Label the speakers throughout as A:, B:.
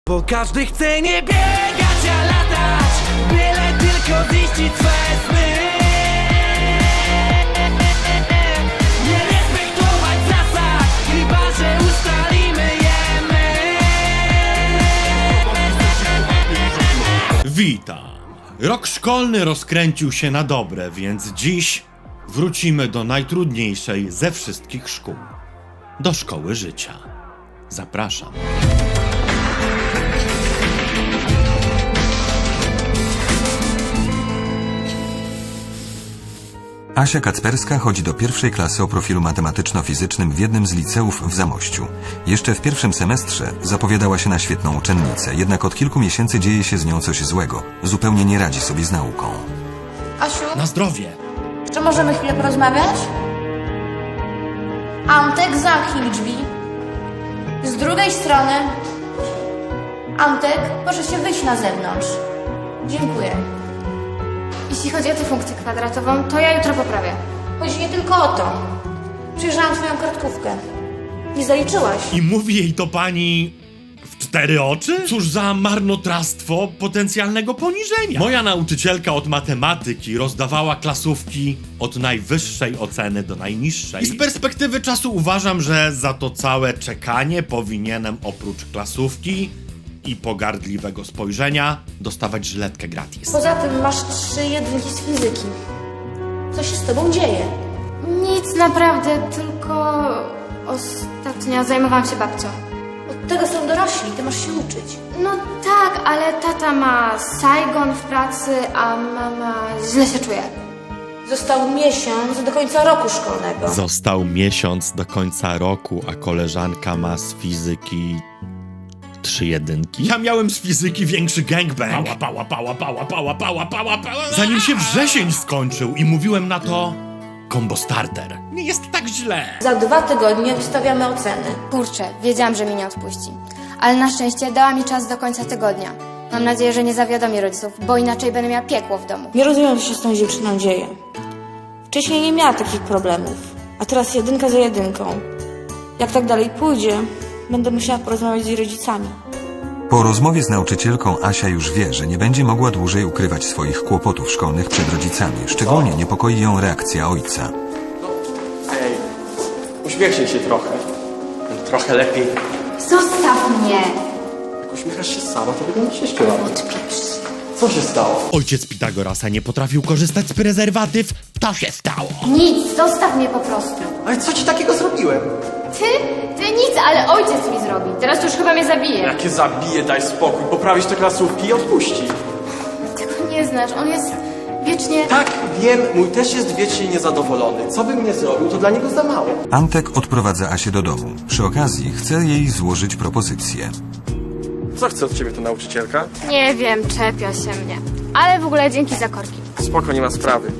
A: Bo każdy chce nie biegać, a latać, byle tylko ziścić swe sny. Nie respektować zasad, chyba że ustalimy je my.
B: Witam. Rok szkolny rozkręcił się na dobre, więc dziś wrócimy do najtrudniejszej ze wszystkich szkół. Do szkoły życia. Zapraszam.
C: Asia Kacperska chodzi do pierwszej klasy o profilu matematyczno-fizycznym w jednym z liceów w Zamościu. Jeszcze w pierwszym semestrze zapowiadała się na świetną uczennicę, jednak od kilku miesięcy dzieje się z nią coś złego. Zupełnie nie radzi sobie z nauką.
D: Asiu,
B: Na zdrowie.
D: czy możemy chwilę porozmawiać? Antek, zamknij drzwi. Z drugiej strony. Antek, proszę się wyjść na zewnątrz. Dziękuję.
E: Jeśli chodzi o tę funkcję kwadratową, to ja jutro poprawię.
D: Chodzi nie tylko o to. Przyjrzałam twoją kartkówkę. Nie zaliczyłaś.
B: I mówi jej to pani w 4 oczy? Cóż za marnotrawstwo potencjalnego poniżenia. Moja nauczycielka od matematyki rozdawała klasówki od najwyższej oceny do najniższej. I z perspektywy czasu uważam, że za to całe czekanie powinienem oprócz klasówki i pogardliwego spojrzenia dostawać żyletkę gratis.
D: Poza tym masz 3 jedynki z fizyki. Co się z tobą dzieje?
E: Nic naprawdę, tylko ostatnio zajmowałam się babcią.
D: Od tego są dorośli, ty masz się uczyć.
E: No tak, ale tata ma Saigon w pracy, a mama źle się czuje.
D: Został miesiąc do końca roku szkolnego.
B: Został miesiąc do końca roku, a koleżanka ma z fizyki 3 jedynki. Ja miałem z fizyki większy gangbang. Zanim się wrzesień skończył i mówiłem na to combo starter. Nie jest tak źle.
D: Za 2 tygodnie wystawiamy oceny.
E: Kurczę, wiedziałam, że mnie nie odpuści. Ale na szczęście dała mi czas do końca tygodnia. Mam nadzieję, że nie zawiadomi rodziców, bo inaczej będę miała piekło w domu.
D: Nie rozumiem, co się z tą dziewczyną dzieje. Wcześniej nie miała takich problemów, a teraz jedynka za jedynką. Jak tak dalej pójdzie, będę musiała porozmawiać z jej rodzicami.
C: Po rozmowie z nauczycielką Asia już wie, że nie będzie mogła dłużej ukrywać swoich kłopotów szkolnych przed rodzicami. Szczególnie niepokoi ją reakcja ojca.
F: Ej, uśmiechnij się trochę. Trochę lepiej.
E: Zostaw mnie!
F: Jak uśmiechasz się sama, to wyglądasz jeszcze lepiej. Co się stało?
B: Ojciec Pitagorasa nie potrafił korzystać z prezerwatyw. To się stało.
E: Nic, zostaw mnie po prostu.
F: Ale co ci takiego zrobiłem?
E: Ty nic, ale ojciec mi zrobi. Teraz to już chyba mnie zabije.
F: Jakie zabije, daj spokój. Poprawisz te klasówki i odpuści.
E: Tego nie znasz, on jest wiecznie...
F: Tak, wiem, mój też jest wiecznie niezadowolony. Co bym nie zrobił, to dla niego za mało.
C: Antek odprowadza Asię do domu. Przy okazji chce jej złożyć propozycję.
F: Co chce od ciebie ta nauczycielka?
E: Nie wiem, czepia się mnie. Ale w ogóle dzięki za korki.
F: Spoko, nie ma sprawy.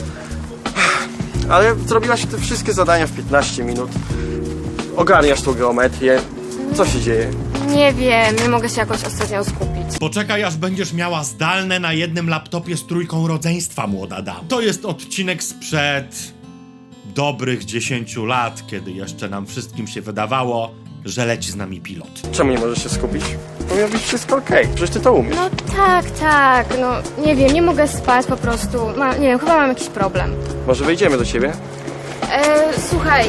F: Ale zrobiłaś te wszystkie zadania w 15 minut. Ogarniasz tą geometrię. Co się dzieje?
E: Nie wiem, nie mogę się jakoś ostatnio skupić.
B: Poczekaj, aż będziesz miała zdalne na jednym laptopie z trójką rodzeństwa, młoda dama. To jest odcinek sprzed dobrych 10 lat, kiedy jeszcze nam wszystkim się wydawało, że leci z nami pilot.
F: Czemu nie możesz się skupić? Powinno być wszystko okej. Przecież ty to umiesz.
E: No tak, no nie wiem, nie mogę spać po prostu. Nie wiem, chyba mam jakiś problem.
F: Może wejdziemy do ciebie?
E: Słuchaj.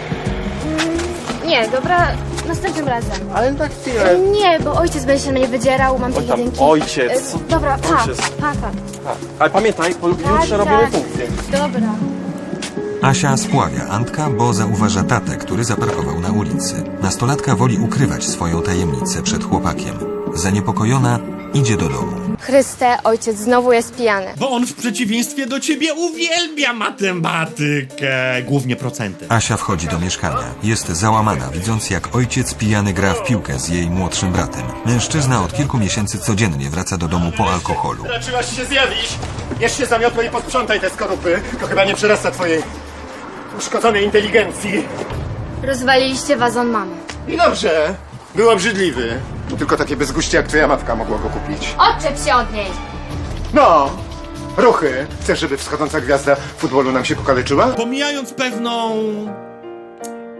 E: Nie, dobra, następnym razem.
F: Ale na chwilę.
E: Nie, bo ojciec będzie się na mnie wydzierał, mam te
F: Oj tam,
E: jedynki.
F: ojciec.
E: Dobra,
F: Ojciec.
E: pa.
F: Ale pamiętaj, bo jutrze robimy funkcję.
E: Dobra.
C: Asia spławia Antka, bo zauważa tatę, który zaparkował na ulicy. Nastolatka woli ukrywać swoją tajemnicę przed chłopakiem. Zaniepokojona idzie do domu.
E: Chryste, ojciec znowu jest pijany.
B: Bo on w przeciwieństwie do ciebie uwielbia matematykę. Głównie procenty.
C: Asia wchodzi do mieszkania. Jest załamana, widząc jak ojciec pijany gra w piłkę z jej młodszym bratem. Mężczyzna od kilku miesięcy codziennie wraca do domu po alkoholu.
G: Raczyłaś się zjawić. Bierz się za miotło i posprzątaj te skorupy. To chyba nie przyrasta twojej uszkodzonej inteligencji.
E: Rozwaliliście wazon mamy.
G: I dobrze. Był obrzydliwy. Tylko takie bezguście jak twoja matka mogła go kupić.
E: Odczep się od niej.
G: No! Ruchy. Chcesz, żeby wschodząca gwiazda futbolu nam się pokaleczyła?
B: Pomijając pewną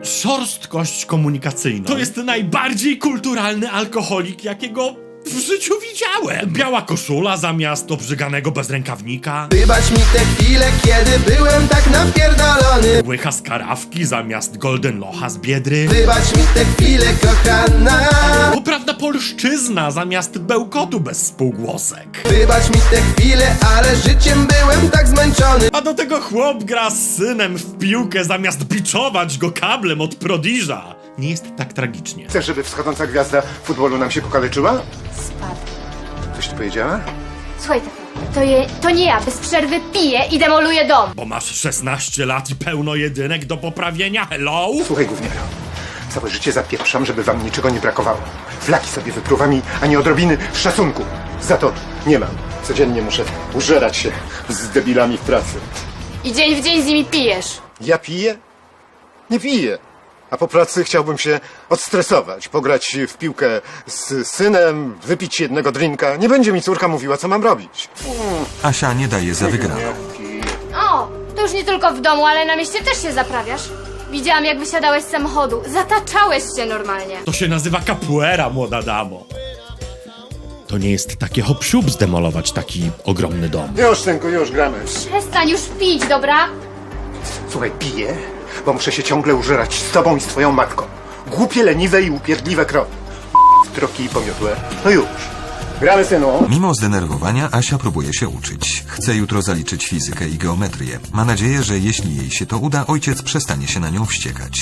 B: szorstkość komunikacyjną. To jest najbardziej kulturalny alkoholik, jakiego w życiu widziałem. Biała koszula zamiast obrzyganego bezrękawnika.
H: Wybacz mi te chwile, kiedy byłem tak napierdolony.
B: Łycha z karawki zamiast golden locha z Biedry.
H: Wybacz mi te chwile, kochana.
B: Poprawna polszczyzna zamiast bełkotu bez spółgłosek.
H: Wybacz mi te chwile, ale życiem byłem tak zmęczony.
B: A do tego chłop gra z synem w piłkę zamiast biczować go kablem od prodiża. Nie jest tak tragicznie.
G: Chcesz, żeby wschodząca gwiazda futbolu nam się pokaleczyła?
E: Spadł.
G: Coś tu powiedziała?
E: Słuchaj, to nie ja. Bez przerwy piję i demoluję dom.
B: Bo masz 16 lat i pełno jedynek do poprawienia, hello?
G: Słuchaj, gówniaro. Całe życie zapieprzam, żeby wam niczego nie brakowało. Flaki sobie wypruwam ani odrobiny szacunku. Za to nie mam. Codziennie muszę użerać się z debilami w pracy.
E: I dzień w dzień z nimi pijesz.
G: Ja piję? Nie piję. A po pracy chciałbym się odstresować, pograć w piłkę z synem, wypić jednego drinka. Nie będzie mi córka mówiła, co mam robić.
C: Asia nie daje za wygraną.
E: O, to już nie tylko w domu, ale na mieście też się zaprawiasz. Widziałam, jak wysiadałeś z samochodu. Zataczałeś się normalnie.
B: To się nazywa capoeira, młoda damo. To nie jest takie hop-siup zdemolować taki ogromny dom.
G: Już, synku, już gramy.
E: Przestań już pić, dobra?
G: Słuchaj, piję, bo muszę się ciągle użerać z tobą i z twoją matką. Głupie, leniwe i upierdliwe krowy. Troki i pomiotłe. No już. Gramy, synu.
C: Mimo zdenerwowania Asia próbuje się uczyć. Chce jutro zaliczyć fizykę i geometrię. Ma nadzieję, że jeśli jej się to uda, ojciec przestanie się na nią wściekać.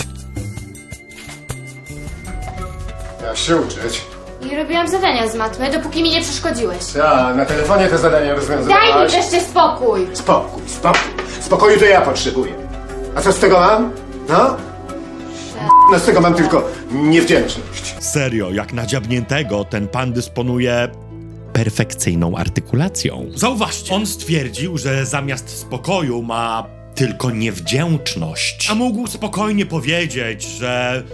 G: Ja się uczyć.
E: I robiłam zadania z matmy, dopóki mi nie przeszkodziłeś.
G: Ja, na telefonie te zadania rozwiązywałaś.
E: Daj mi wreszcie spokój!
G: Spokój, spokój. Spokoju to ja potrzebuję. A co z tego mam? No? No z tego mam tylko niewdzięczność.
B: Serio, jak na dziabniętego, ten pan dysponuje perfekcyjną artykulacją. Zauważcie, on stwierdził, że zamiast spokoju ma tylko niewdzięczność. A mógł spokojnie powiedzieć, że...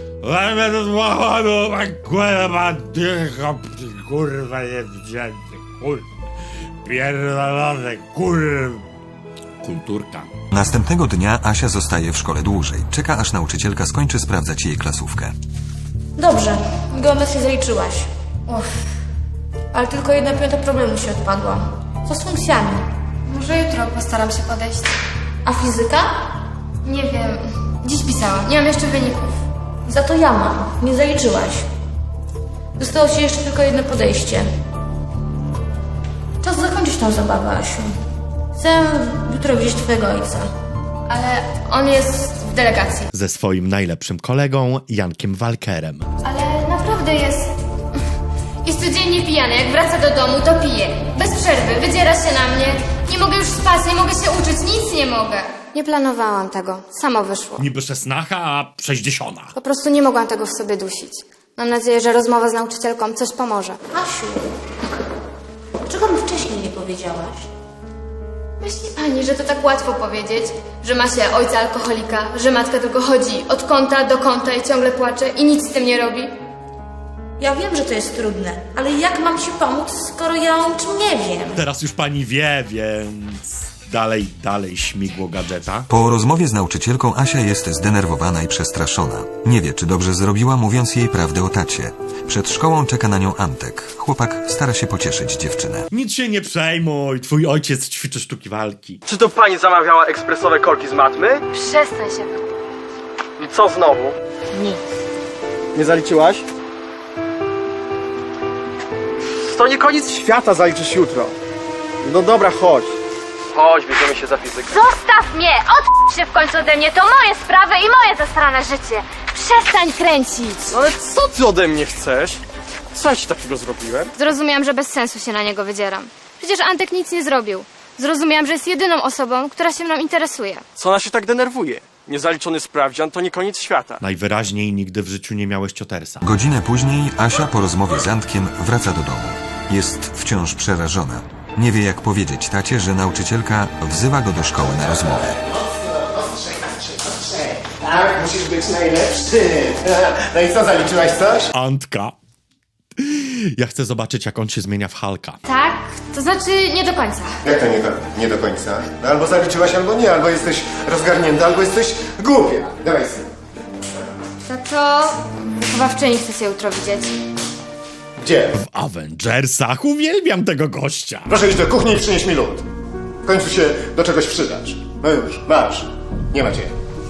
B: Kurwa niewdzięczny, kurwa. Pierdolony, kurwa. Kulturka.
C: Następnego dnia Asia zostaje w szkole dłużej. Czeka, aż nauczycielka skończy sprawdzać jej klasówkę.
D: Dobrze, geometrię zaliczyłaś. Uff. Ale tylko 1/5 problemu się odpadła. Co z funkcjami?
E: Może jutro postaram się podejść.
D: A fizyka?
E: Nie wiem. Dziś pisałam. Nie mam jeszcze wyników.
D: Za to ja mam. Nie zaliczyłaś. Zostało ci jeszcze tylko jedno podejście. Czas zakończyć tą zabawę, Asiu. Chcę jutro widzieć twojego ojca.
E: Ale on jest w delegacji.
B: Ze swoim najlepszym kolegą, Jankiem Walkerem.
E: Ale naprawdę jest codziennie pijany. Jak wraca do domu, to pije. Bez przerwy. Wydziera się na mnie. Nie mogę już spać, nie mogę się uczyć. Nic nie mogę. Nie planowałam tego. Samo wyszło.
B: Niby 16, a 60.
E: Po prostu nie mogłam tego w sobie dusić. Mam nadzieję, że rozmowa z nauczycielką coś pomoże.
D: Asiu, dlaczego mi wcześniej nie powiedziałaś?
E: Myśli pani, że to tak łatwo powiedzieć? Że ma się ojca alkoholika, że matka tylko chodzi od kąta do kąta i ciągle płacze i nic z tym nie robi?
D: Ja wiem, że to jest trudne, ale jak mam ci pomóc, skoro ja o niczym nie wiem?
B: Teraz już pani wie, więc... Dalej śmigło gadżeta.
C: Po rozmowie z nauczycielką Asia jest zdenerwowana i przestraszona. Nie wie, czy dobrze zrobiła, mówiąc jej prawdę o tacie. Przed szkołą czeka na nią Antek. Chłopak stara się pocieszyć dziewczynę.
B: Nic się nie przejmuj, twój ojciec ćwiczy sztuki walki.
F: Czy to pani zamawiała ekspresowe korki z matmy?
E: Przestań się.
F: I co znowu?
E: Nic.
F: Nie zaliczyłaś? To nie koniec świata, zaliczysz jutro. No dobra, chodź. Chodź, bierzemy się za fizykę.
E: Zostaw mnie! Odp się w końcu ode mnie! To moje sprawy i moje zasrane życie! Przestań kręcić!
F: No ale co ty ode mnie chcesz? Co ja ci takiego zrobiłem?
E: Zrozumiałam, że bez sensu się na niego wydzieram. Przecież Antek nic nie zrobił. Zrozumiałam, że jest jedyną osobą, która się mną interesuje.
I: Co ona się tak denerwuje? Niezaliczony sprawdzian to nie koniec świata.
B: Najwyraźniej nigdy w życiu nie miałeś ciotersa.
C: Godzinę później Asia po rozmowie z Antkiem wraca do domu. Jest wciąż przerażona. Nie wie, jak powiedzieć tacie, że nauczycielka wzywa go do szkoły na rozmowę.
G: Tak, musisz być najlepszy. No i co, zaliczyłaś coś?
B: Antka. Ja chcę zobaczyć, jak on się zmienia w Hulka.
E: Tak? To znaczy nie do końca.
G: Jak to nie do końca? No albo zaliczyłaś, albo nie, albo jesteś rozgarnięta, albo jesteś głupia. Dawaj, syn.
E: To wychowawczyni chce się jutro widzieć.
G: Gdzie?
B: W Avengersach uwielbiam tego gościa.
G: Proszę iść do kuchni i przynieść mi lód. W końcu się do czegoś przydasz. No już, masz. Nie ma cię.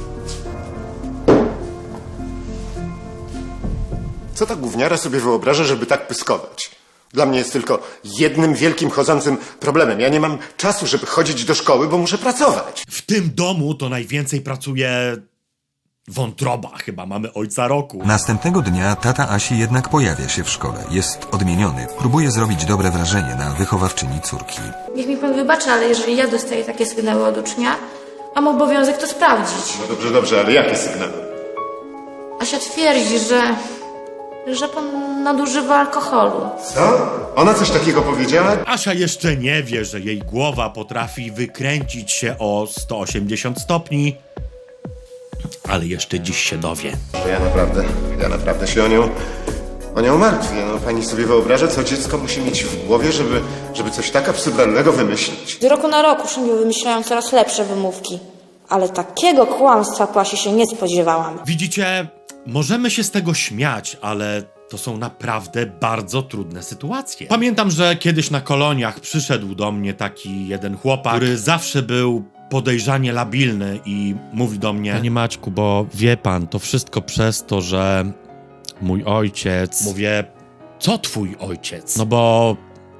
G: Co ta gówniara sobie wyobraża, żeby tak pyskować? Dla mnie jest tylko jednym wielkim chodzącym problemem. Ja nie mam czasu, żeby chodzić do szkoły, bo muszę pracować.
B: W tym domu to najwięcej pracuje wątroba. Chyba mamy ojca roku.
C: Następnego dnia tata Asi jednak pojawia się w szkole. Jest odmieniony. Próbuje zrobić dobre wrażenie na wychowawczyni córki.
D: Niech mi pan wybaczy, ale jeżeli ja dostaję takie sygnały od ucznia, mam obowiązek to sprawdzić.
G: No dobrze, ale jakie sygnały?
D: Asia twierdzi, że pan nadużywa alkoholu.
G: Co? Ona coś takiego powiedziała?
B: Asia jeszcze nie wie, że jej głowa potrafi wykręcić się o 180 stopni, ale jeszcze dziś się dowie.
G: Ja naprawdę się o nią martwię. No, pani sobie wyobraża, co dziecko musi mieć w głowie, żeby coś tak absurdalnego wymyślić.
D: Z roku na rok uczniowie wymyślają coraz lepsze wymówki. Ale takiego kłamstwa po Asi się nie spodziewałam.
B: Widzicie, możemy się z tego śmiać, ale to są naprawdę bardzo trudne sytuacje. Pamiętam, że kiedyś na koloniach przyszedł do mnie taki jeden chłopak, który zawsze był podejrzanie labilny i mówi do mnie: Panie Maćku, bo wie pan, to wszystko przez to, że mój ojciec... Mówię: co twój ojciec? No bo...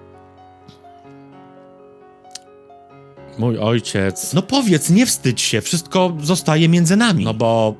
B: Mój ojciec... No powiedz, nie wstydź się, wszystko zostaje między nami. No bo...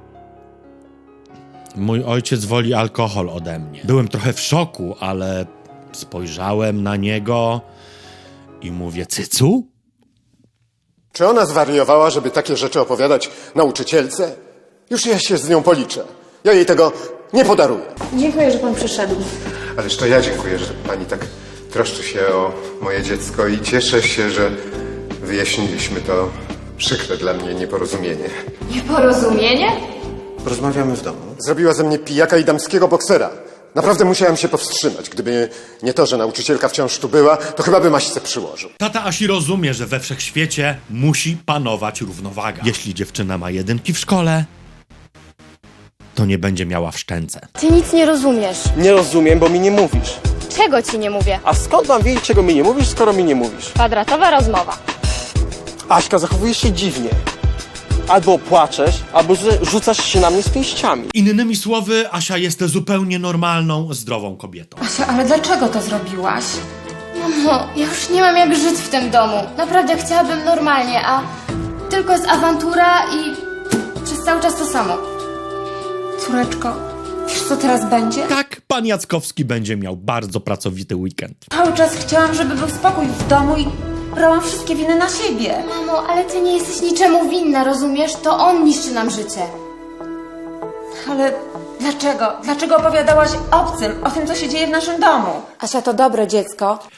B: Mój ojciec woli alkohol ode mnie. Byłem trochę w szoku, ale spojrzałem na niego i mówię: cycu?
G: Czy ona zwariowała, żeby takie rzeczy opowiadać nauczycielce? Już ja się z nią policzę. Ja jej tego nie podaruję.
D: Dziękuję, że pan przyszedł.
G: Ależ to ja dziękuję, że pani tak troszczy się o moje dziecko i cieszę się, że wyjaśniliśmy to przykre dla mnie nieporozumienie.
E: Nieporozumienie?
G: Rozmawiamy w domu. Zrobiła ze mnie pijaka i damskiego boksera. Naprawdę musiałem się powstrzymać. Gdyby nie to, że nauczycielka wciąż tu była, to chyba bym Aśce przyłożył.
B: Tata Asi rozumie, że we wszechświecie musi panować równowaga. Jeśli dziewczyna ma 1 w szkole, to nie będzie miała w szczęce.
E: Ty nic nie rozumiesz.
I: Nie rozumiem, bo mi nie mówisz.
E: Czego ci nie mówię?
I: A skąd mam wiedzieć, czego mi nie mówisz, skoro mi nie mówisz?
E: Kwadratowa rozmowa.
I: Aśka, zachowujesz się dziwnie. Albo płaczesz, albo rzucasz się na mnie z pięściami.
B: Innymi słowy, Asia jest zupełnie normalną, zdrową kobietą.
J: Asia, ale dlaczego to zrobiłaś?
E: Mamo, ja już nie mam jak żyć w tym domu. Naprawdę chciałabym normalnie, a tylko jest awantura i przez cały czas to samo.
J: Córeczko, wiesz co teraz będzie?
B: Tak, pan Jackowski będzie miał bardzo pracowity weekend.
J: Cały czas chciałam, żeby był spokój w domu i brałam wszystkie winy na siebie.
E: Mamo, ale ty nie jesteś niczemu winna, rozumiesz? To on niszczy nam życie.
J: Ale dlaczego? Dlaczego opowiadałaś obcym o tym, co się dzieje w naszym domu?
D: Asia to dobre dziecko,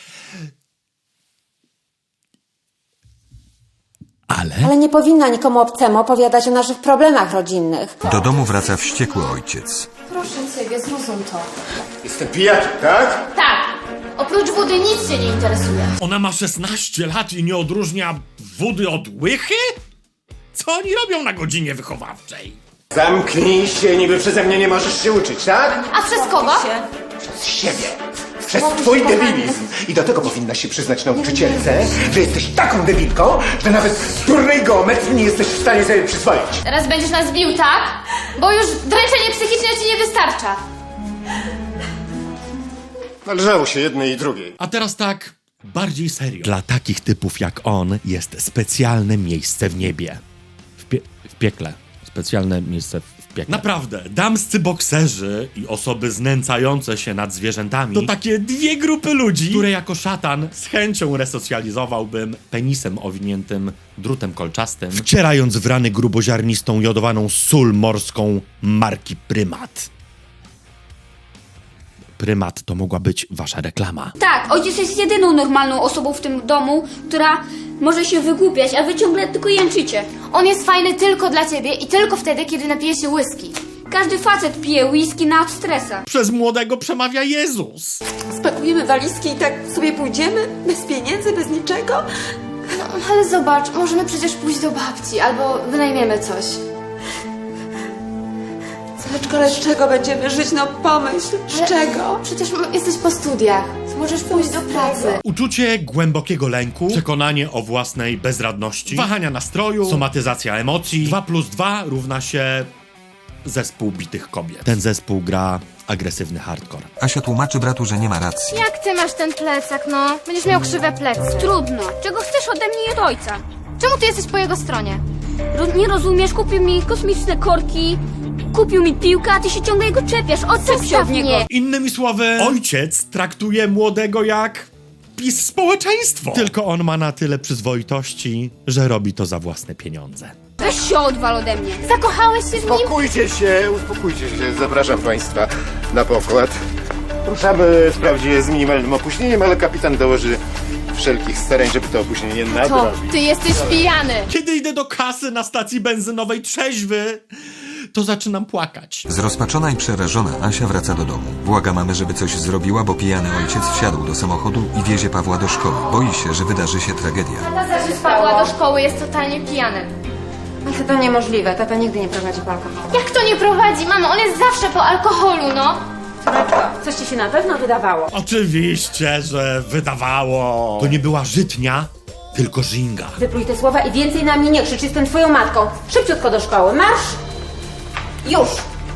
D: ale nie powinna nikomu obcemu opowiadać o naszych problemach rodzinnych.
C: Do domu wraca wściekły ojciec.
E: Proszę ciebie, zrozum to.
G: Jestem pijakiem, tak?
E: Tak, oprócz wody nic cię nie interesuje.
B: Ona ma 16 lat i nie odróżnia wody od łychy? Co oni robią na godzinie wychowawczej?
G: Zamknij się, niby przeze mnie nie możesz się uczyć, tak?
E: A przez kogo?
G: Przez siebie. Przez twój debilizm. I do tego powinnaś się przyznać nauczycielce, że jesteś taką debilką, że nawet z durnej geometrii nie jesteś w stanie sobie przyswoić.
E: Teraz będziesz nas bił, tak? Bo już dręczenie psychiczne ci nie wystarcza.
G: Należało się jednej i drugiej.
B: A teraz tak, bardziej serio. Dla takich typów jak on jest specjalne miejsce w niebie. W piekle. Specjalne miejsce w piekle. Naprawdę, damscy bokserzy i osoby znęcające się nad zwierzętami to takie 2 grupy ludzi, które jako szatan z chęcią resocjalizowałbym penisem owiniętym drutem kolczastym, wcierając w rany gruboziarnistą jodowaną sól morską marki Prymat. Prymat to mogła być wasza reklama.
K: Tak, ojciec jest jedyną normalną osobą w tym domu, która może się wygłupiać, a wy ciągle tylko jęczycie.
E: On jest fajny tylko dla ciebie i tylko wtedy, kiedy napije się whisky.
K: Każdy facet pije whisky na stresa.
B: Przez młodego przemawia Jezus.
J: Spakujemy walizki i tak sobie pójdziemy? Bez pieniędzy, bez niczego?
E: No, ale zobacz, możemy przecież pójść do babci albo wynajmiemy coś.
J: Córeczko, ale z czego będziemy żyć? No pomyśl, z czego?
E: Przecież jesteś po studiach. Możesz pójść do pracy.
B: Uczucie głębokiego lęku, przekonanie o własnej bezradności, wahania nastroju, somatyzacja emocji. 2 + 2 równa się zespół bitych kobiet. Ten zespół gra agresywny hardcore.
C: Asia tłumaczy bratu, że nie ma racji.
E: Jak ty masz ten plecak, no? Będziesz miał krzywe plecy.
K: Trudno. Czego chcesz ode mnie i od ojca?
E: Czemu ty jesteś po jego stronie?
K: Nie rozumiesz? Kupił mi kosmiczne korki, kupił mi piłkę, a ty się ciągle jego czepiasz. Odczep się
E: Zostaw
K: od niego.
E: mnie.
B: Innymi słowy, ojciec traktuje młodego jak PiS społeczeństwo. Tylko on ma na tyle przyzwoitości, że robi to za własne pieniądze.
K: Weź się odwal ode mnie.
E: Zakochałeś się z nim?
G: Uspokójcie się, zapraszam państwa na pokład. Ruszamy wprawdzie z minimalnym opóźnieniem, ale kapitan dołoży wszelkich starań, żeby to opóźnienie
E: To
G: nadrobić.
E: ty jesteś pijany.
B: Kiedy idę do kasy na stacji benzynowej trzeźwy, to zaczynam płakać.
C: Zrozpaczona i przerażona Asia wraca do domu. Błaga mamy, żeby coś zrobiła, bo pijany ojciec wsiadł do samochodu i wiezie Pawła do szkoły. Boi się, że wydarzy się tragedia.
E: Tata z Pawła do szkoły jest totalnie pijany.
J: Ale to niemożliwe, tata nigdy nie prowadzi po alkoholu.
E: Jak to nie prowadzi? Mamo, on jest zawsze po alkoholu, no.
J: Córeczko, coś ci się na pewno wydawało.
B: Oczywiście, że wydawało. To nie była żytnia, tylko żinga.
J: Wypluj te słowa i więcej na mnie nie krzycz, jestem twoją matką. Szybciutko do szkoły, marsz! Już!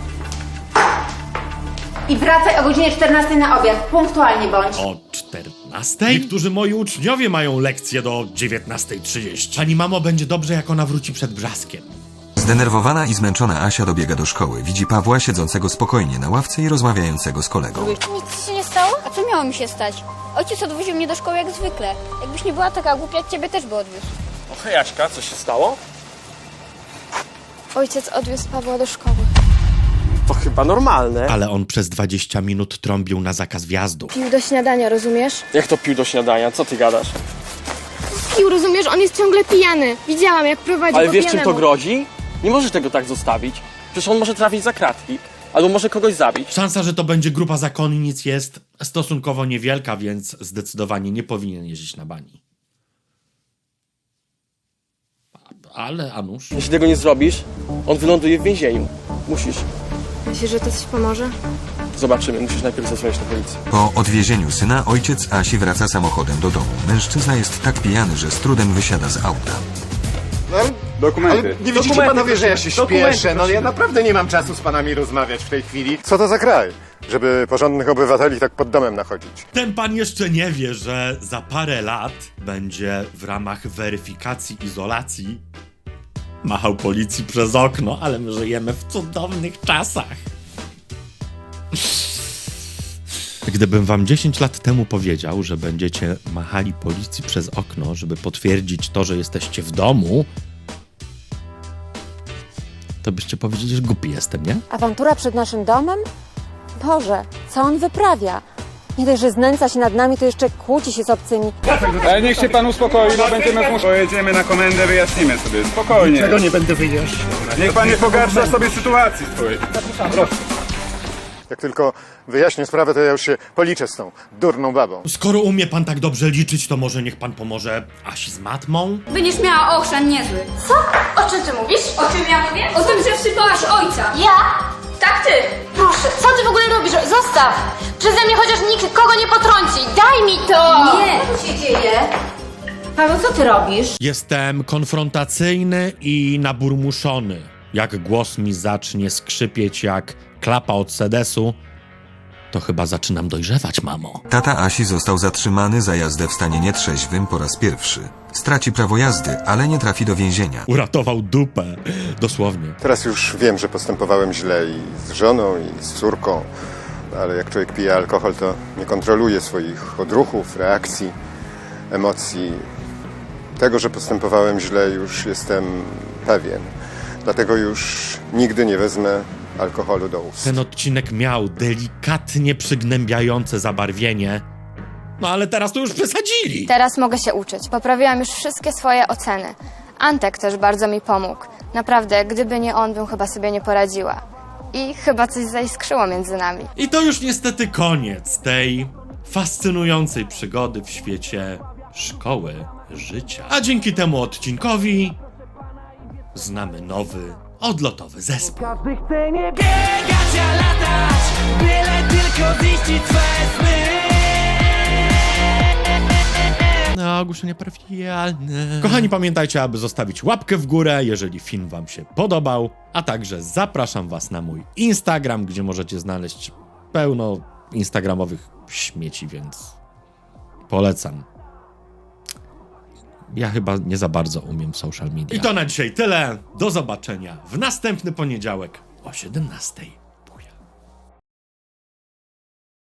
J: I wracaj o godzinie 14 na obiad, punktualnie bądź.
B: O 14? Niektórzy moi uczniowie mają lekcje do 19:30. Pani mamo, będzie dobrze, jak ona wróci przed brzaskiem.
C: Zdenerwowana i zmęczona Asia dobiega do szkoły. Widzi Pawła siedzącego spokojnie na ławce i rozmawiającego z kolegą.
K: Nic ci się nie stało? A co miało mi się stać? Ojciec odwoził mnie do szkoły jak zwykle. Jakbyś nie była taka głupia, ciebie też by odwiózł.
I: O hej, Aśka, co się stało?
E: Ojciec odwiózł Pawła do szkoły.
I: To chyba normalne.
B: Ale on przez 20 minut trąbił na zakaz wjazdu.
E: Pił do śniadania, rozumiesz?
I: Jak to pił do śniadania? Co ty gadasz?
E: Pił, rozumiesz? On jest ciągle pijany. Widziałam, jak prowadzi
I: Ale
E: po
I: wiesz, czym
E: pijanemu.
I: to grozi? Nie możesz tego tak zostawić. Przecież on może trafić za kratki. Albo może kogoś zabić.
B: Szansa, że to będzie grupa zakonnic jest stosunkowo niewielka, więc zdecydowanie nie powinien jeździć na bani. Ale Anusz...
I: Jeśli tego nie zrobisz, on wyląduje w więzieniu. Musisz.
E: Myślisz, że to coś pomoże?
I: Zobaczymy, musisz najpierw zadzwonić na policję.
C: Po odwiezieniu syna ojciec Asi wraca samochodem do domu. Mężczyzna jest tak pijany, że z trudem wysiada z auta.
G: Dokumenty. Ale nie widzicie panowie, że ja się śpieszę? No ja naprawdę nie mam czasu z panami rozmawiać w tej chwili. Co to za kraj, żeby porządnych obywateli tak pod domem nachodzić?
B: Ten pan jeszcze nie wie, że za parę lat będzie w ramach weryfikacji izolacji machał policji przez okno, ale my żyjemy w cudownych czasach. Gdybym wam 10 lat temu powiedział, że będziecie machali policji przez okno, żeby potwierdzić to, że jesteście w domu, to byście powiedzieli, że głupi jestem, nie?
J: Awantura przed naszym domem? Boże, co on wyprawia? Nie dość, że znęca się nad nami, to jeszcze kłóci się z obcymi.
L: Ale niech się pan uspokoi, bo będziemy pojedziemy na komendę, wyjaśnimy sobie, spokojnie.
G: Czego nie będę wyjaśniał?
L: Niech pan nie pogarsza sobie sytuacji swojej. Proszę.
G: Jak tylko wyjaśnię sprawę, to ja już się policzę z tą durną babą.
B: Skoro umie pan tak dobrze liczyć, to może niech pan pomoże Asi z matmą?
K: Będziesz miała ochrzan niezły.
E: Co? O czym ty mówisz?
K: O czym ja mówię? O tym, że wsypałaś ojca.
E: Ja?
K: Tak ty!
E: Proszę, co ty w ogóle robisz? Zostaw! Przeze mnie chociaż nikt kogo nie potrąci. Daj mi to!
J: Nie, co się dzieje? Paweł, co ty robisz?
B: Jestem konfrontacyjny i naburmuszony. Jak głos mi zacznie skrzypieć jak klapa od sedesu, to chyba zaczynam dojrzewać, mamo.
C: Tata Asi został zatrzymany za jazdę w stanie nietrzeźwym po raz pierwszy. Straci prawo jazdy, ale nie trafi do więzienia.
B: Uratował dupę, dosłownie.
G: Teraz już wiem, że postępowałem źle i z żoną, i z córką, ale jak człowiek pije alkohol, to nie kontroluje swoich odruchów, reakcji, emocji. Tego, że postępowałem źle, już jestem pewien. Dlatego już nigdy nie wezmę alkoholu do ust.
B: Ten odcinek miał delikatnie przygnębiające zabarwienie, no ale teraz to już przesadzili.
E: Teraz mogę się uczyć. Poprawiłam już wszystkie swoje oceny. Antek też bardzo mi pomógł. Naprawdę, gdyby nie on, bym chyba sobie nie poradziła. I chyba coś zaiskrzyło między nami.
B: I to już niestety koniec tej fascynującej przygody w świecie szkoły życia. A dzięki temu odcinkowi znamy nowy odlotowy zespół.
A: Każdy chce nie biegać, a latać, byle tylko ziścić swe sny.
B: No, ogłoszenia parafialne. Kochani, pamiętajcie, aby zostawić łapkę w górę, jeżeli film wam się podobał, a także zapraszam was na mój Instagram, gdzie możecie znaleźć pełno instagramowych śmieci, więc polecam. Ja chyba nie za bardzo umiem w social media. I to na dzisiaj tyle. Do zobaczenia w następny poniedziałek o 17:00.